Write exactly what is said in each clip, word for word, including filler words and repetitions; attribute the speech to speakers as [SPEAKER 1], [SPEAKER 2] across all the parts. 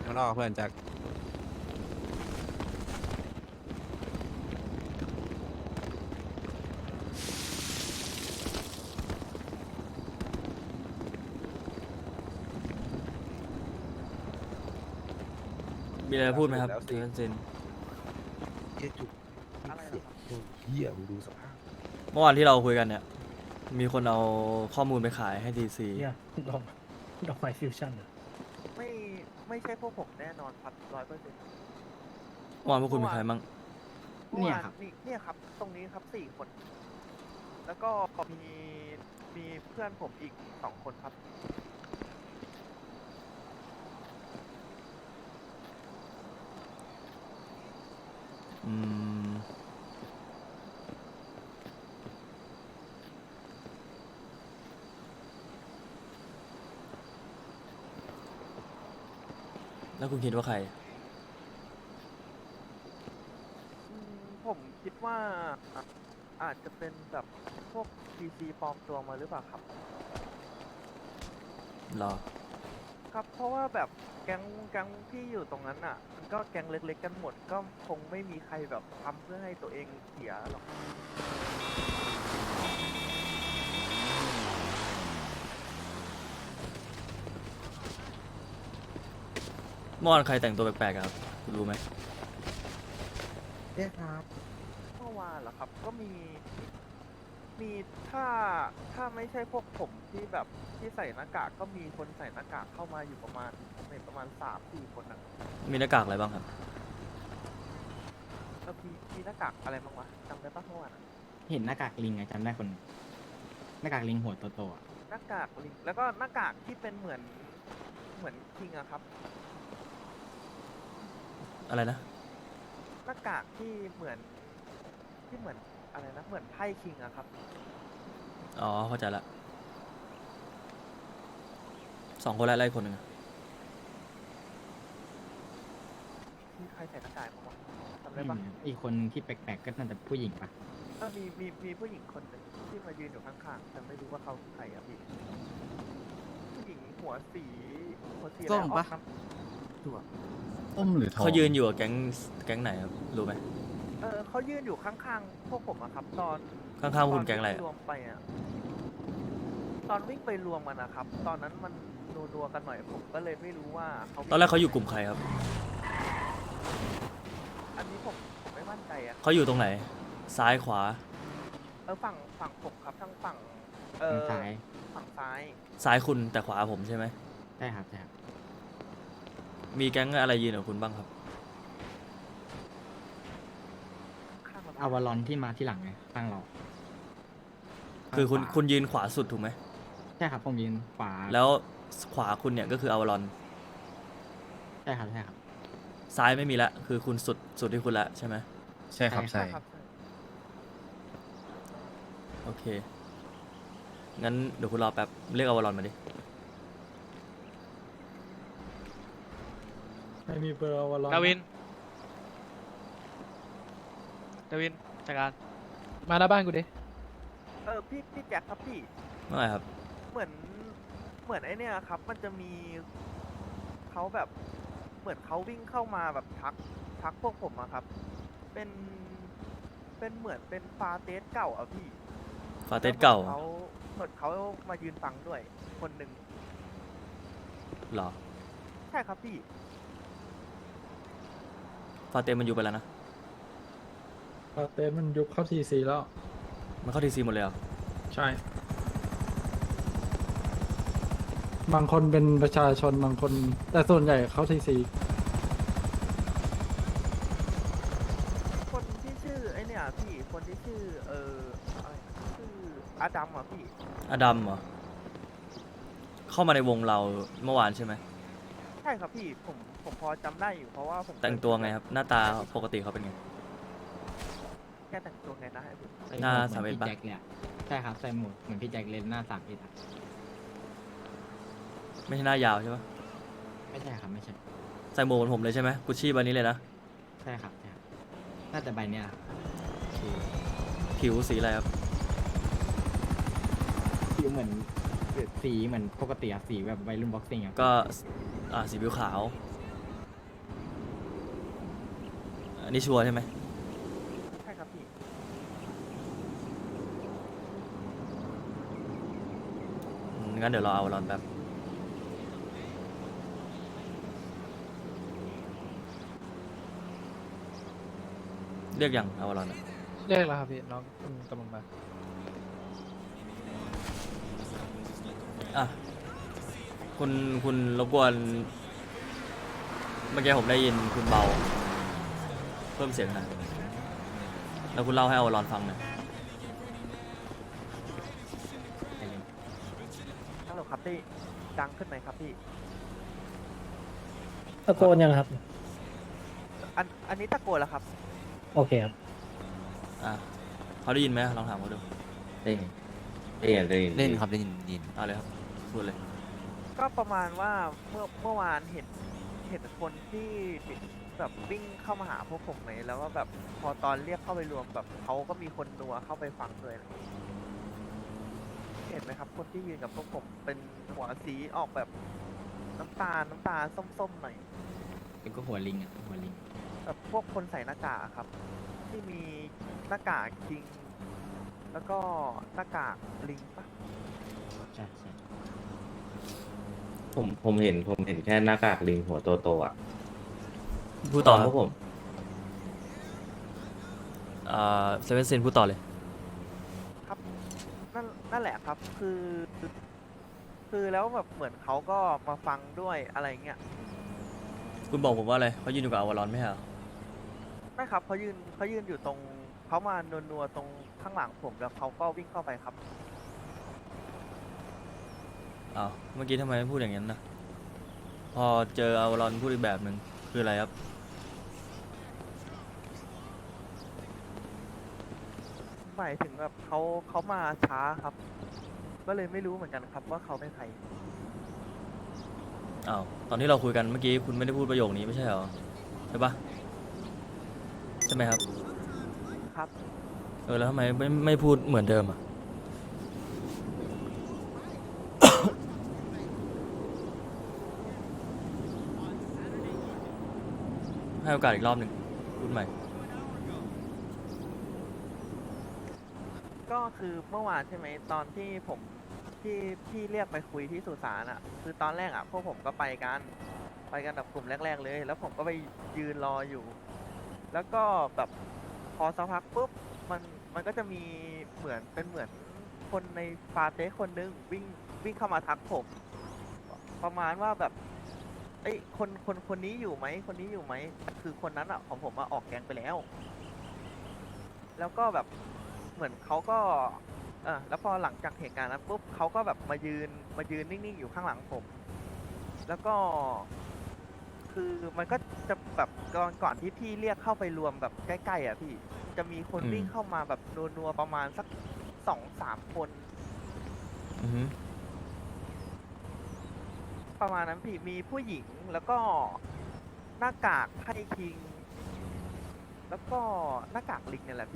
[SPEAKER 1] ข้างนอกเพื่อนจาก
[SPEAKER 2] มีอะไรพูดไหมครับเซนเซน
[SPEAKER 3] เจ๊จุกอะไรเสียงโอ้ยเหี้ยมึงดูสภาพ
[SPEAKER 2] เมื่อวานที่เราคุยกันเนี่ย มีคนเอาข้อมูลไปขายให้ดีซี
[SPEAKER 4] เนี่ยดอกดอกไม้ฟิวชั่นเหรอ
[SPEAKER 5] ไม่ไม่ใช่พวกผมแน่นอนครับร้อยเปอร์เซ็นต์
[SPEAKER 2] เมื่อวานพวกคุณมีใครบ้าง
[SPEAKER 5] เนี่ยครับนี่เนี่ยครับ ตรงนี้ครับสี่คน แล้วก็มีมีเพื่อนผมอีกสองคนครับ
[SPEAKER 2] อืม แล้วคุณคิดว่าใคร
[SPEAKER 5] อืมผมคิดว่าอ่ะอาจจะเป็นแบบพวก พี ซี ปลอมตัวมาหรือเปล่าครับ
[SPEAKER 2] รอ
[SPEAKER 5] ครับเพราะว่าแบบแก๊งแก๊งที่อยู่ตรงนั้นอ่ะ มันก็แก๊งเล็กๆกันหมด ก็คงไม่มีใครแบบทำเพื่อให้ตัวเองเสียหรอก
[SPEAKER 2] เมื่อวานใครแต่งตัวแปลกๆอะครับคุณรู้ไหม
[SPEAKER 3] เจ๊ครับ
[SPEAKER 5] เมื่อวานเหรอครับ ก็มี มีถ้าถ้าไม่ใช่พวกผมที่แบบที่ใส่หน้ากากก็มีคนใส่หน้ากากเข้ามาอยู่ประมาณผมเห็นประมาณสามสี่คนนะ
[SPEAKER 2] มีหน้ากากอะไรบ้างครับ
[SPEAKER 5] แล้วมีมีหน้ากากอะไรบ้างวะจำได้ปะเมื่อวานอะ
[SPEAKER 6] เห็นหน้ากากลิงไงจำได้คนหนึ่งหน้ากากลิงหัวโตๆอะ
[SPEAKER 5] หน้ากากลิงแล้วก็หน้ากากที่เป็นเหมือนเหมือนคิงอะครับ
[SPEAKER 2] อะไรนะ
[SPEAKER 5] หน้ากากที่เหมือนที่เหมือนอะไรนะเหมือนไพ่คิงอะครับ
[SPEAKER 2] อ๋อ เข้าใจละ สองคนแล้วไล่คนหนึ่งอะ
[SPEAKER 5] มีใครใส่หน้ากากบ้างวะจำ
[SPEAKER 6] อื
[SPEAKER 5] ได้ปะ
[SPEAKER 6] มอีกคนที่แปลกๆก็น่าจะผู้หญิงปะ
[SPEAKER 5] เออมีมีมีผู้หญิงคนหนึ่งที่มายืนอยู่ข้างๆแต่ไม่รู้ว่าเขาคือใครอะพี่ผู้หญิงหัวสีหัวสีอะไร
[SPEAKER 1] ส้มปะ
[SPEAKER 5] ออกน้ำ
[SPEAKER 3] ต้มหรือทอง
[SPEAKER 2] เขายืนอยู่กับแก๊งแก๊งไหนครับ รู้ไหม
[SPEAKER 5] เออเขายืนอยู่ข้างๆพวกผมอะครับ ตอน
[SPEAKER 2] ข้างๆคุณแก๊งอะไร
[SPEAKER 5] ตนวิ่
[SPEAKER 2] อะ
[SPEAKER 5] รวมไปอะตอนวิ่งไปรวมกันนะครับ ตอนนั้นมันนัวๆกันหน่อยผมก็เลยไม่รู้ว่าเขา
[SPEAKER 2] ตอนแรกเขาอยู่กลุ่มใครครับ
[SPEAKER 5] อันนี้ผมผมไม่มั่นใจอะ
[SPEAKER 2] เขาอยู่ตรงไหน ซ้ายขวา
[SPEAKER 5] เออฝั่งฝั่งผมครับทั้งฝั่งเอ
[SPEAKER 6] ทาง
[SPEAKER 5] อ
[SPEAKER 6] ซ้าย
[SPEAKER 5] ฝั่งซ้าย
[SPEAKER 2] ซ้ายคุณแต่ขวาผมใช่ไหม
[SPEAKER 6] ใช่ครับใช่ครับ
[SPEAKER 2] มีแก๊งอะไรยืนกับคุณบ้างครับ
[SPEAKER 5] ข้างเรา
[SPEAKER 6] อาวารอนที่มาที่หลังไงข้างเรา
[SPEAKER 2] คือคุณ
[SPEAKER 6] ข้างขวา
[SPEAKER 2] คุณยืนขวาสุดถูกไหม
[SPEAKER 6] ใช่ครับผมยืนขวา
[SPEAKER 2] แล้วขวาคุณเนี่ยก็คืออวารอน
[SPEAKER 6] ใช่ครับใช่ครับ
[SPEAKER 2] ซ้ายไม่มีละ คือคุณสุดสุดที่คุณละใช่ไหม
[SPEAKER 3] ใช่ครับ
[SPEAKER 6] ใช่
[SPEAKER 3] ใช่
[SPEAKER 5] ครับใช่
[SPEAKER 2] โอเค งั้นเดี๋ยวคุณรอแป๊บ เรียกอวารอนมาดิ
[SPEAKER 4] ไม่มีเบอร์วอลล์
[SPEAKER 7] ดาวิน ดาวินจัดการ มาหน้าบ้านกูดิ
[SPEAKER 5] เออพี่พี่แจ็คครับพี่
[SPEAKER 2] เมื่อไหร่ครับ
[SPEAKER 5] เหมือนเหมือนไอเนี่ยครับ มันจะมีเขาแบบเหมือนเขาวิ่งเข้ามาแบบทักทักพวกผมอะครับ เป็นเป็นเหมือนเป็นฟาเตสเก่าอะพี่
[SPEAKER 2] ฟาเตสเก่า
[SPEAKER 5] แล้วเหมือนเขาเหมือนเขามายืนฟังด้วย คนหนึ่ง
[SPEAKER 2] เหรอ
[SPEAKER 5] ใช่ครับพี่
[SPEAKER 2] ฟาเตสมันอยู่ไปแล้วนะ
[SPEAKER 4] พาเต้มันยุบเข้าทีซีแล้ว
[SPEAKER 2] มันเข้าทีซีหมดเลยเหรอ
[SPEAKER 4] ใช่ บางคนเป็นประชาชนบางคน แต่ส่วนใหญ่เข้าทีซี
[SPEAKER 5] คนที่ชื่อไอเนี่ยพี่ คนที่ชื่อเอออะไรชื่ออาดัมอะพี่
[SPEAKER 2] อดัมเหรอ เข้ามาในวงเราเมื่อวานใช่ไหม
[SPEAKER 5] ใช่ครับพี่ ผมผมพอจำได้อยู่เพราะว่าผม
[SPEAKER 2] แต่งตัวไงครับ หน้าตาปกติเขาเป็นไง
[SPEAKER 5] แกแต่งตัวไงนะไอ้ผม
[SPEAKER 6] ใส่
[SPEAKER 2] หน้า
[SPEAKER 6] วก
[SPEAKER 2] สาม
[SPEAKER 6] เห
[SPEAKER 2] เอ็
[SPEAKER 6] มื
[SPEAKER 2] ด
[SPEAKER 6] อน
[SPEAKER 2] ปะ
[SPEAKER 6] พี่แจ็คเลยอะใช่ครับใส่หมวกเหมือนพี่แจ็คเลยหน้าสามเอ็ดอะ
[SPEAKER 2] ไม่ใช่หน้ายาวใช่ปะ
[SPEAKER 6] ไม่ใช่ครับไม่ใช่
[SPEAKER 2] ใส่หมวกเหมือนผมเลยใช่ไหมกุชชี่ใบนี้เลยนะ
[SPEAKER 6] ใช่ครับใช่ครับน่าจะใบเนี้ยครับ
[SPEAKER 2] โอเค ผิวสีอะไรครับ
[SPEAKER 6] ผิวเหมือนสีเหมือนปกติอะสีแบบวัยรุ่นบ็อกซิ่งอะ
[SPEAKER 2] ก็ อ่า สีผิวขาวอันนี้ชัวร์ใช่ไหม
[SPEAKER 5] ใช่ครับพี่
[SPEAKER 2] อืมงั้นเดี๋ยวรอเอารอนแป๊บเรียกยังเอารอนอะ
[SPEAKER 7] เรียกแล้วครับพี่น้องอืมกำลังมา
[SPEAKER 2] อ่ะคุณคุณรบกวนเมื่อกี้ผมได้ยินคุณเบา เพิ่มเสียงหน่อยแล้วคุณเล่าให้เอารอนฟังหน่อย
[SPEAKER 5] ฮัลโหลครับพี่ดังขึ้นไหมครับพี่
[SPEAKER 1] ตะโกนยังครับ
[SPEAKER 5] อันอันนี้ตะโกนแล้วครับ
[SPEAKER 1] โอเคครับ
[SPEAKER 2] อ่ะเขาได้ยินไหมลองถามเขาดู
[SPEAKER 3] ได้ยินได้ยินได้ยิน
[SPEAKER 8] เล่นครับเล่นยิน
[SPEAKER 2] เอาเลยครับพูดเลย
[SPEAKER 5] ก็ประมาณว่าเมื่อเมื่อวานเห็นเห็นคนที่แบบวิ่งเข้ามาหาพวกผมไหมแล้วก็แบบพอตอนเรียกเข้าไปรวมแบบเขาก็มีคนนัวเข้าไปฟังด้วยนะเห็นไหมครับ คนที่ยืนกับพวกผมเป็นหัวสีออกแบบน้ำตาลน้ำตาลส้มๆหน่อย
[SPEAKER 6] เป็นก็หัวลิงอ่ะหัวลิง
[SPEAKER 5] แบบพวกคนใส่หน้ากากอะครับ ที่มีหน้ากากจริง แล้วก็หน้ากากลิงปะ
[SPEAKER 6] ใช่ใช่
[SPEAKER 9] ผมผมเห็นผมเห็นแค่หน้ากากลิงหัวโตโตๆอ่ะ
[SPEAKER 2] พูดต่อค
[SPEAKER 9] เพ
[SPEAKER 2] รับ
[SPEAKER 9] ราะผม
[SPEAKER 2] อ่าเซเว่นซินพูดต่อเลย
[SPEAKER 5] ครับนั่นนั่นแหละครับ คือ คือแล้วแบบเหมือนเขาก็มาฟังด้วยอะไรเงี้ย
[SPEAKER 2] คุณบอกผมว่าอะไรเขายืนอยู่กับอวารอนไม่ใช่เหรอ
[SPEAKER 5] ไม่ครับเขายืนเขายืนอยู่ตรงเขามานัวๆตรงข้างหลังผมแล้วเขาก็วิ่งเข้าไปครับ
[SPEAKER 2] อ้าวเมื่อกี้ทำไมไม่พูดอย่างนั้นนะพอเจออวารอนพูดอีกแบบหนึ่งคืออะไรครับ
[SPEAKER 5] หมายถึงแบบเขาเขามาช้าครับ ก็เลยไม่รู้เหมือนกันครับว่าเขาเป็นใคร
[SPEAKER 2] อ้าวตอนที่เราคุยกันเมื่อกี้คุณไม่ได้พูดประโยคนี้ไม่ใช่เหรอใช่ปะใช่ไหมครับ
[SPEAKER 5] ครับ
[SPEAKER 2] เออแล้วทำไมไม่ไม่พูดเหมือนเดิมอ่ะ ให้โอกาสอีกรอบหนึ่งพูดใหม่
[SPEAKER 5] ก็คือเมื่อวานใช่ไหมตอนที่ผมที่พี่เรียกไปคุยที่สุสานอ่ะ คือตอนแรกอ่ะพวกผมก็ไปกันไปกันแบบกลุ่มแรก ๆ เลย แล้วผมก็ไปยืนรออยู่ แล้วก็แบบพอสักพักปุ๊บมันมันก็จะมีเหมือนเป็นเหมือนคนในฟาเต้คนนึงวิ่งวิ่งเข้ามาทักผม ประมาณว่าแบบเอ้ยคนคนคนนี้อยู่ไหมคนนี้อยู่ไหมคือคนนั้นอ่ะของผมมาออกแกงไปแล้ว แล้วก็แบบเหมือนเขาก็เออแล้วพอหลังจากเหตุการณ์นั้นปุ๊บเขาก็แบบมายืนมายืนนิ่งๆอยู่ข้างหลังผม แล้วก็ คือมันก็จะแบบก่อนก่อนที่พี่เรียกเข้าไปรวมแบบใกล้ๆอ่ะพี่จะมีคน
[SPEAKER 2] อืม
[SPEAKER 5] วิ่งเข้ามาแบบนัวๆประมาณสักสองสามคน
[SPEAKER 2] อือฮึ
[SPEAKER 5] ประมาณนั้นพี่มีผู้หญิงแล้วก็หน้ากากไพ่คิง แล้วก็หน้ากากลิงเนี่ยแหละพี่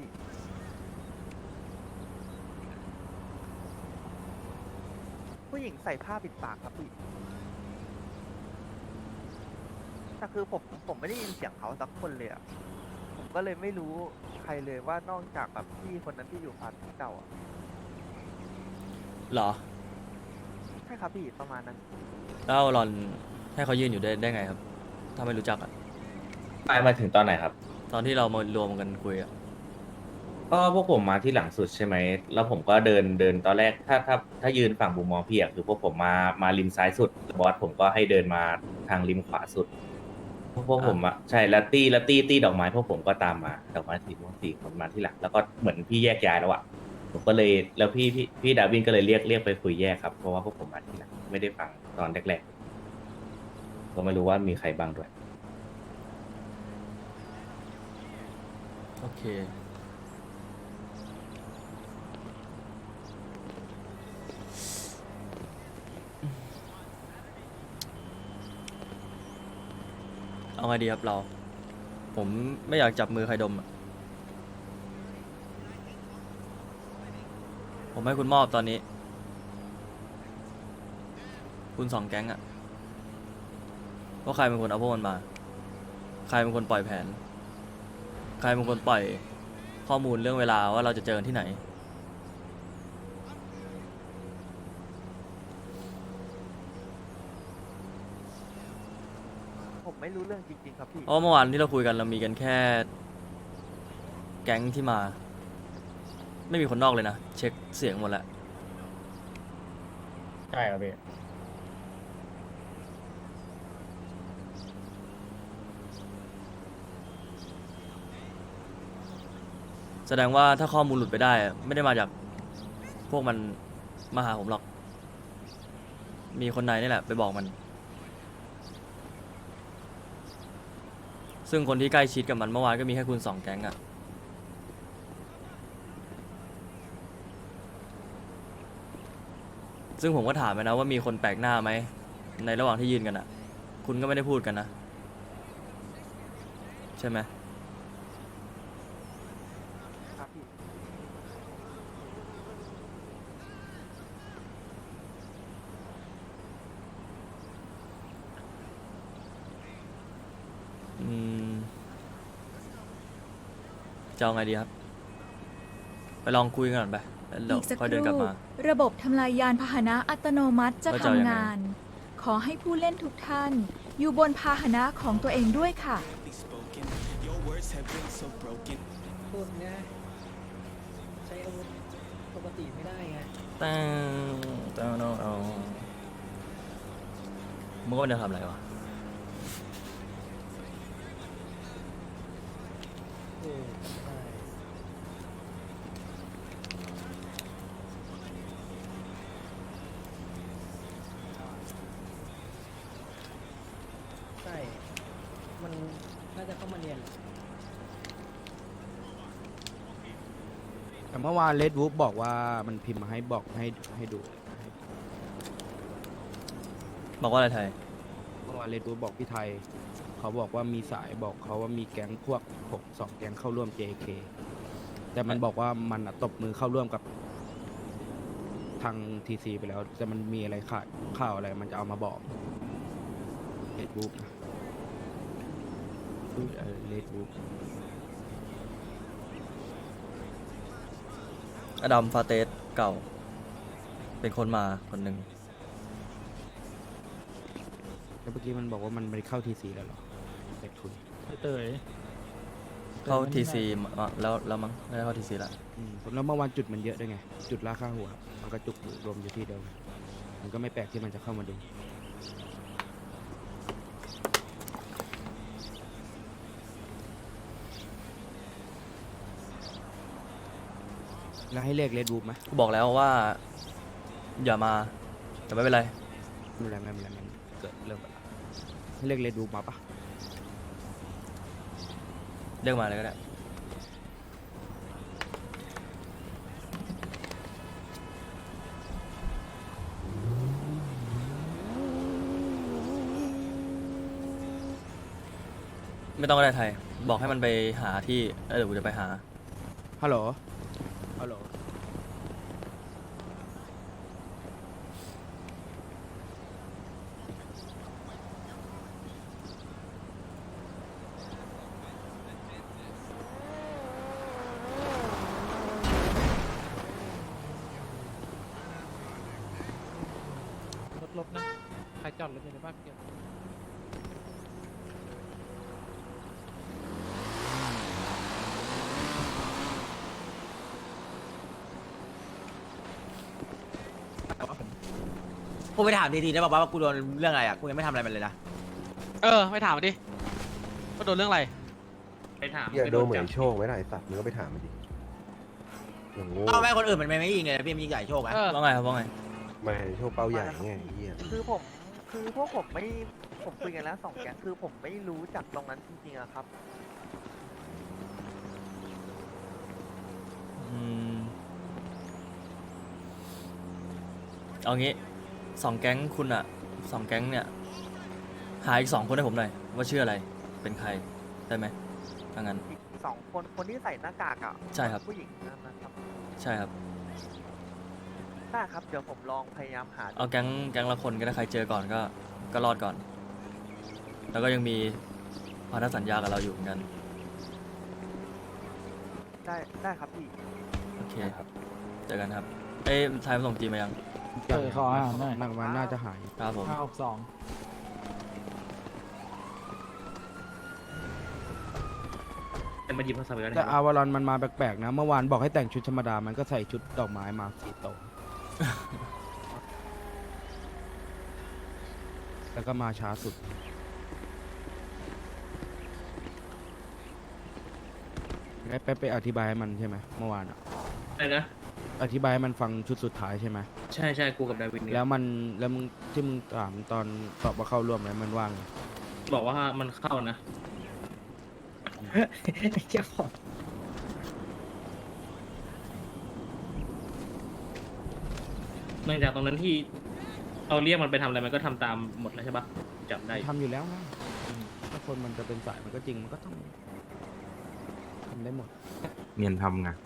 [SPEAKER 5] ผู้หญิงใส่ผ้าปิดปากครับพี่แต่คือผมผมไม่ได้ยินเสียงเขาสักคนเลยอะผมก็เลยไม่รู้ใครเลยว่านอกจากแบบพี่คนนั้นที่อยู่พาร์ทเก่าอะ
[SPEAKER 2] เหรอ
[SPEAKER 5] ใช่ครับพี่ประมาณนั้น
[SPEAKER 2] แล้วอวารอนให้เขายืนอยู่ได้ได้ไงครับ ถ้าไม่รู้จักอ่ะ
[SPEAKER 9] ไปมาถึงตอนไหนครับ
[SPEAKER 2] ตอนที่เรามารวมกันคุยอ่ะ
[SPEAKER 9] ก็พวกผมมาที่หลังสุดใช่ไหม แล้วผมก็เดินเดินตอนแรกถ้าถ้าถ้ายืนฝั่งมุมมองพี่อะคือพวกผมมามาริมซ้ายสุดบอสผมก็ให้เดินมาทางริมขวาสุด พวกพวกผมอะใช่แล้วตี้แล้วตี้ตี้ดอกไม้พวกผมก็ตามมาดอกไม้สีม่วงสี่คนมาที่หลังแล้วก็เหมือนพี่แยกย้ายแล้วอะผมก็เลยแล้วพี่พี่พี่ดาวินก็เลยเรียกเรียกไปคุยแยกครับเพราะว่าพวกผมมาที่หลังไม่ได้ฟังตอนแรกๆก็ไม่รู้ว่ามีใครบ้างด้วย
[SPEAKER 2] โอเค เอาไงดีครับเรา ผมไม่อยากจับมือใครดมอะผมให้คุณมอบตอนนี้ คุณสองแก๊งอะว่าใครเป็นคนเอาพวกมันมา ใครเป็นคนปล่อยแผนใครเป็นคนปล่อยข้อมูลเรื่องเวลาว่าเราจะเจอกันที่ไหน
[SPEAKER 5] ผมไม่รู้เรื่องจริงๆครับพี่
[SPEAKER 2] เพราะเมื่อวานที่เราคุยกันเรามีกันแค่ แก๊งที่มา ไม่มีคนนอกเลยนะ เช็คเสียงหมดแล้ว
[SPEAKER 9] ใช่ครับพี่
[SPEAKER 2] แสดงว่าถ้าข้อมูลหลุดไปได้อะไม่ได้มาจากพวกมันมาหาผมหรอก มีคนในนี่แหละไปบอกมัน ซึ่งคนที่ใกล้ชิดกับมันเมื่อวานก็มีแค่คุณสองแก๊งอะซึ่งผมก็ถามไปนะว่ามีคนแปลกหน้าไหมในระหว่างที่ยืนกันอะคุณก็ไม่ได้พูดกันนะ ใช่ไหม
[SPEAKER 5] ครับพี่
[SPEAKER 2] อืมจะเอาไงดีครับ ไปลองคุยกันก่อนไปแล้วเดี๋ยว
[SPEAKER 8] อีกสัก
[SPEAKER 2] ค่อย
[SPEAKER 8] ค
[SPEAKER 2] เดินกลับ
[SPEAKER 8] รู่
[SPEAKER 2] มา
[SPEAKER 8] ระบบทำลายยานพาหนะอัตโนมัติจะ
[SPEAKER 2] ว่าจะเอายังไง
[SPEAKER 8] ทำงาน ขอให้ผู้เล่นทุกท่าน อยู่บนพาหนะของตัวเองด้วยค่ะ
[SPEAKER 1] พูดง่ายใช้อาวุธปกติไม่ได้ไง
[SPEAKER 2] ตั้งตั้งน้องเอามึงว่ามันจะทำอะไรวะ
[SPEAKER 1] เออใช่ใช่ มันน่าจะเข้ามาเรียนแหละ
[SPEAKER 3] แต่เมื่อวานเลดวูฟบอกว่ามันพิมพ์มาให้บอกให้ให้ดู
[SPEAKER 2] บอกว่าอะไรไทย
[SPEAKER 3] เมื่อวานเลดวูฟบอกพี่ไทย เขาบอกว่ามีสายบอกเขาว่ามีแก๊งพวกหกสองแก๊งเข้าร่วม เจ เค แต่มันบอกว่ามันอะตบมือเข้าร่วมกับทางทีซีไปแล้วแต่มันมีอะไรขาดข่าวอะไรมันจะเอามาบอกเลดวูฟนะเลดวูฟ
[SPEAKER 2] อดัมฟาเตสเก่า เป็นคนมาคนหนึ่ง
[SPEAKER 3] แล้วเมื่อกี้มันบอกว่ามันไม่ได้เข้าทีซีแล้วเหรอเด็กทุน
[SPEAKER 4] เต๋ย
[SPEAKER 2] เข้าทีซีแล้วแล้วมั้งไม่ได้เข้าทีซีละ
[SPEAKER 3] อืมแล้วเมื่อวานจุดมันเยอะด้วยไง จุดราคาหัว มันก็จุกอยู่รวมอยู่ที่เดียวกันมันก็ไม่แปลกที่มันจะเข้ามาดู แล้วให้เลขเลดวูฟไหม
[SPEAKER 2] กูบอกแล้วว่า อย่ามา แต่ไม่เป็นไร
[SPEAKER 3] ไม่เป็นไรไม่เป็นไรมันเกิดเริ่มกันละให้เลขเลดวูฟมาปะ
[SPEAKER 2] เรียกมาเลยก็ได้ ไม่ต้องก็ได้ไทย บอกให้มันไปหาที่แล้วเดี๋ยวกูจะไปหา
[SPEAKER 3] ฮัลโหล ฮัลโหล
[SPEAKER 7] รถลบนะ ใครจอดรถอยู่ในบ้านเกี่ยว
[SPEAKER 10] กูไปถามทีๆได้บอกว่ากูโดนเรื่องอะไรอ่ะ กูยังไม่ทำอะไรมันเลยนะ
[SPEAKER 7] เออ ไม่ถามมันดิว่าโดนเรื่องอะไร
[SPEAKER 9] ไปถาม
[SPEAKER 3] อย่าโดนเหมือนโชคไว้ได้สัตว์มึงก็ไปถามมันดิอย่างโง่
[SPEAKER 10] เอาแม่คนอื่นมันไม่ยิงเลยนะพี่มันยิงใหญ่โชคไหม
[SPEAKER 7] เออ
[SPEAKER 2] ว่าไงครับว่าไง
[SPEAKER 3] ไม่โชคเป้าใหญ่ไงไอ้เหี้ย
[SPEAKER 5] คือผม คือพวกผมไม่ ผมคุยกันแล้วสองแก๊งคือผมไม่รู้จักตรงนั้นจริงๆอะครับ
[SPEAKER 2] อืม เอางี้สองแก๊งคุณอะสองแก๊งเนี่ย หาอีกสองคนให้ผมหน่อย ว่าชื่ออะไร เป็นใคร ได้ไหมถ้างั้น
[SPEAKER 5] อีกสองคนคนที่ใส่หน้ากากอะ
[SPEAKER 2] ใช่ครับ
[SPEAKER 5] ผู้หญิงนั่นนะครับ
[SPEAKER 2] ใช่ครับ
[SPEAKER 5] ได้ครับ เดี๋ยวผมลองพยายามหาดู
[SPEAKER 2] เอาแก๊งแก๊งละคนก็ได้ใครเจอก่อนก็ ก็รอดก่อน แล้วก็ยังมีพันธสัญญากับเราอยู่เหมือนกัน
[SPEAKER 5] ได้ได้ครับพี่
[SPEAKER 2] โอเคครับเจอกันครับเอ้ยชายมาส่งจีมายัง
[SPEAKER 4] เออขออาหารหน่อย
[SPEAKER 3] นักมันน่าจะหาย
[SPEAKER 2] ครับผม
[SPEAKER 4] ห้าหกสอง
[SPEAKER 6] แต่มาหยิบโทรศัพท์ไปแล้ว
[SPEAKER 3] แต่อาวารอนมันมาแปลกๆนะ เมื่อวานบอกให้แต่งชุดธรรมดา มันก็ใส่ชุดดอกไม้มาสีโต แล้วก็มาช้าสุดไปไปไปอธิบายให้มันใช่ไหมเมื่อวานอะ
[SPEAKER 6] อะไรนะ
[SPEAKER 3] อธิบายให้มันฟังชุดสุดท้ายใช่ไหม
[SPEAKER 6] ใช่ใช่กูกับดาวินเนี่ย
[SPEAKER 3] แล้วมันแล้วมึงที่มึงถามตอนตอบว่าเข้าร่วมแล้วมันว่างไง
[SPEAKER 6] บอกว่ามันเข้านะ
[SPEAKER 1] เจ้าของ
[SPEAKER 6] เนื่องจากตรงนั้นที่เอาเรียกมันไปทำอะไรมันก็ทำตามหมดแล้วใช่ปะจำได้
[SPEAKER 3] ทำอยู่แล้วนะถ้าคนมันจะเป็นสายมันก็จริงมันก็ต้องทำได้หมด
[SPEAKER 9] เนียนทำไง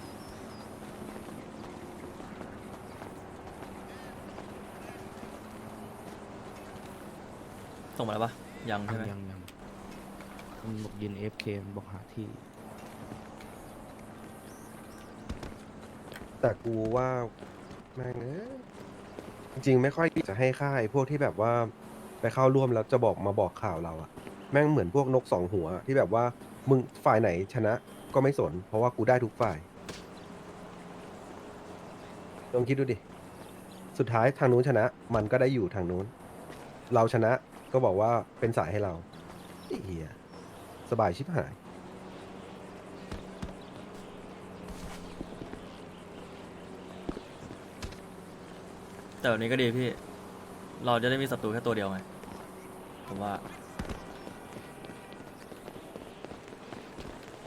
[SPEAKER 2] ส่งมาแล้วปะยังใช่ไหม
[SPEAKER 3] ยังยังมันบอกยืนเอฟเคบอกหาที่
[SPEAKER 11] แต่กูว่าแม่งเอ้ยจริงๆไม่ค่อยจะให้ค่ายพวกที่แบบว่าไปเข้าร่วมแล้วจะบอกมาบอกข่าวเราอะแม่งเหมือนพวกนกสองหัวที่แบบว่ามึงฝ่ายไหนชนะก็ไม่สน เพราะว่ากูได้ทุกฝ่ายลองคิดดูดิ สุดท้ายทางนู้นชนะ มันก็ได้อยู่ทางนู้น เราชนะก็บอกว่าเป็นสายให้เราไอ้เหี้ยสบายชิบหาย
[SPEAKER 2] แต่แบบนี้ก็ดีพี่ เราจะได้มีศัตรูแค่ตัวเดียวไงผมว่า